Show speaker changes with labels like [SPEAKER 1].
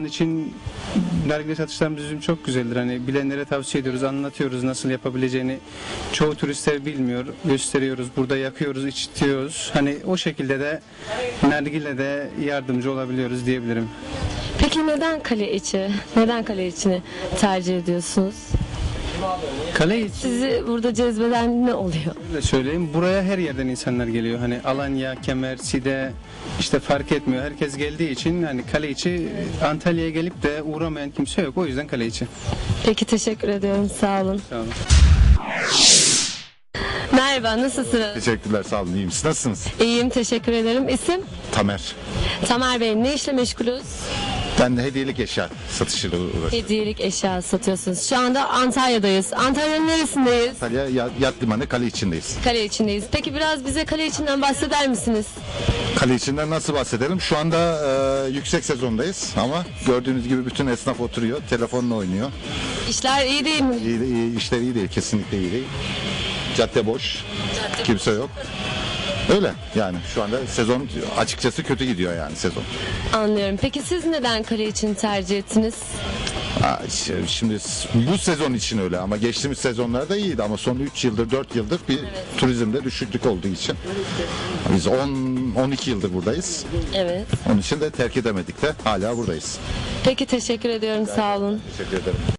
[SPEAKER 1] an için nargile satışlarımız bizim çok güzeldir. Hani bilenlere tavsiye ediyoruz, anlatıyoruz nasıl yapabileceğini. Çoğu turistler bilmiyor, gösteriyoruz, burada yakıyoruz, içtiyoruz. Hani o şekilde de nargile de yardımcı olabiliyoruz diyebilirim.
[SPEAKER 2] Peki neden kale içi? Neden kale içini tercih ediyorsunuz?
[SPEAKER 1] Kale içi
[SPEAKER 2] Sizi burada cezbeden ne oluyor?
[SPEAKER 1] de söyleyeyim, buraya her yerden insanlar geliyor. Hani Alanya, Kemer, Side işte fark etmiyor. Herkes geldiği için hani kale içi, Antalya'ya gelip de uğramayan kimse yok. O yüzden kale içi.
[SPEAKER 2] Peki teşekkür ediyorum. Sağ olun.
[SPEAKER 1] Sağ olun.
[SPEAKER 2] Merhaba, nasılsınız?
[SPEAKER 3] Teşekkürler, sağ olun. İyiyim. Siz nasılsınız?
[SPEAKER 2] İyiyim, teşekkür ederim. İsim?
[SPEAKER 3] Tamer.
[SPEAKER 2] Tamer Bey, ne işle meşgulüz?
[SPEAKER 3] Ben de hediyelik eşya satışıyla uğraşıyorum.
[SPEAKER 2] Hediyelik eşya satıyorsunuz. Şu anda Antalya'dayız. Antalya'nın neresindeyiz?
[SPEAKER 3] Antalya Yat Limanı kale içindeyiz.
[SPEAKER 2] Kale içindeyiz. Peki biraz bize kale içinden bahseder misiniz?
[SPEAKER 3] Kale içinden nasıl bahsedelim? Şu anda yüksek sezondayız ama gördüğünüz gibi bütün esnaf oturuyor, telefonla oynuyor.
[SPEAKER 2] İşler iyi değil mi?
[SPEAKER 3] İyi, işler iyi değil, kesinlikle iyi değil. Cadde boş, kimse yok. Öyle yani şu anda sezon açıkçası kötü gidiyor yani sezon.
[SPEAKER 2] Anlıyorum. Peki siz neden kale için tercih ettiniz?
[SPEAKER 3] Şimdi bu sezon için öyle ama geçtiğimiz sezonlarda iyiydi ama son 3 yıldır 4 yıldır bir turizmde düşüklük olduğu için biz 12 yıldır buradayız.
[SPEAKER 2] Evet.
[SPEAKER 3] Onun için de terk edemedik de hala buradayız.
[SPEAKER 2] Peki teşekkür ediyorum. Sağ olun.
[SPEAKER 3] Teşekkür ederim.